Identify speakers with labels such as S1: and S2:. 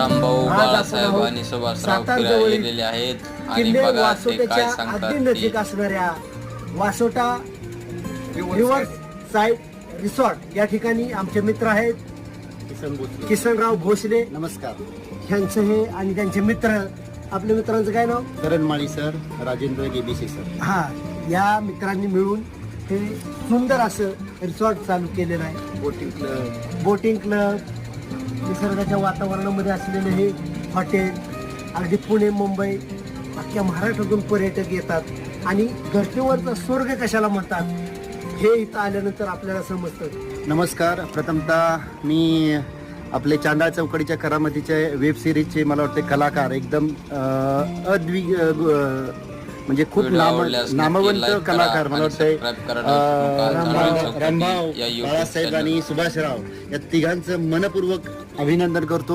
S1: रामभाऊ
S2: आज
S1: बाळासाहेब
S2: आपण
S1: आणि सुभाषराव
S2: सातारजवळील
S1: फिरायलेले आहेत आणि
S2: किल्ले
S1: बघा ते काय
S2: वासोट्याच्या
S1: सांगतात
S2: अगदी
S1: ते.
S2: नजीक असणाऱ्या वासोटा रिव्हर साइड रिसॉर्ट या ठिकाणी आमचे मित्र आहेत किसनराव भोसले.
S3: नमस्कार.
S2: ह्यांचं हे आणि त्यांचे मित्र. आपल्या मित्रांचं काय नाव?
S3: करणमाळी सर, राजेंद्र गेबीसी सर.
S2: हा, या मित्रांनी मिळून हे सुंदर असं रिसॉर्ट चालू केलेलं आहे. बोटिंग क्लब, निसर्गाच्या वातावरणामध्ये असलेलं हे हॉटेल. अगदी पुणे, मुंबई, अख्ख्या महाराष्ट्रातून पर्यटक येतात आणि धर्तीवरचा स्वर्ग कशाला म्हणतात हे इथं आल्यानंतर आपल्याला समजतं.
S3: नमस्कार. प्रथमतः मी आपले चांडाळ चौकडीच्या करामतीचे वेब सिरीजचे मला वाटते कलाकार एकदम म्हणजे खूप
S1: व्हिडिओ आवडल्यास नक्की
S3: नामवंत
S1: like करा
S3: कलाकार मला
S1: आणि
S3: वाटतंय
S1: subscribe करा.
S3: रामभाऊ,
S1: या YouTube
S3: बाळासाहेब
S1: channel.
S3: आणि सुभाषराव या तिघांचं मनपूर्वक अभिनंदन करतो.